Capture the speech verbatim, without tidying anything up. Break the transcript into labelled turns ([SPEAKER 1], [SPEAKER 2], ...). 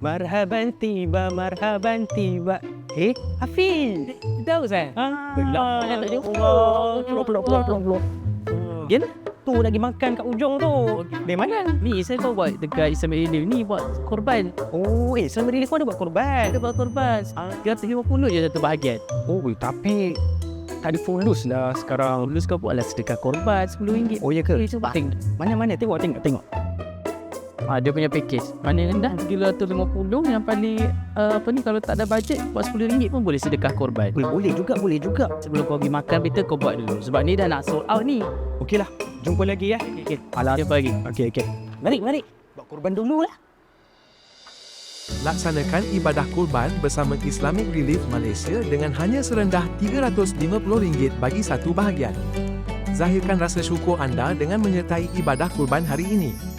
[SPEAKER 1] Marhaban tiba, marhaban tiba. Eh, Hafiz. Tahu saya? Ah, belak. Peluk, peluk, peluk, peluk, peluk. Gen, tu lagi makan kat ujung tu. Dari mana?
[SPEAKER 2] Ni saya bawa buat dekat Islam Relief ni buat korban.
[SPEAKER 1] Oh, eh, selama diri kau ada buat korban.
[SPEAKER 2] Ada buat korban. tiga ratus lima puluh je satu bahagian.
[SPEAKER 1] Oh, tapi tak ada fulus lah sekarang.
[SPEAKER 2] Dulu kau buatlah sedekah korban sepuluh ringgit.
[SPEAKER 1] Oh, ya ke?
[SPEAKER 2] Eh, cuba.
[SPEAKER 1] Tengok. Mana-mana? Tengok, tengok, tengok.
[SPEAKER 2] Ah, dia punya package. Mana rendah tiga ratus lima puluh, yang paling uh, apa ni, kalau tak ada bajet buat sepuluh ringgit pun boleh sedekah korban.
[SPEAKER 1] Boleh, boleh juga, boleh juga.
[SPEAKER 2] Sebelum kau pergi makan, better kau buat dulu. Sebab ni dah nak sold out ni.
[SPEAKER 1] Okeylah, jumpa lagi ya.
[SPEAKER 2] Okay,
[SPEAKER 1] Alah,
[SPEAKER 2] jumpa lagi.
[SPEAKER 1] okey, okey. Mari, mari. Buat korban dulu lah.
[SPEAKER 3] Laksanakan ibadah kurban bersama Islamic Relief Malaysia dengan hanya serendah tiga ratus lima puluh ringgit bagi satu bahagian. Zahirkan rasa syukur anda dengan menyertai ibadah kurban hari ini.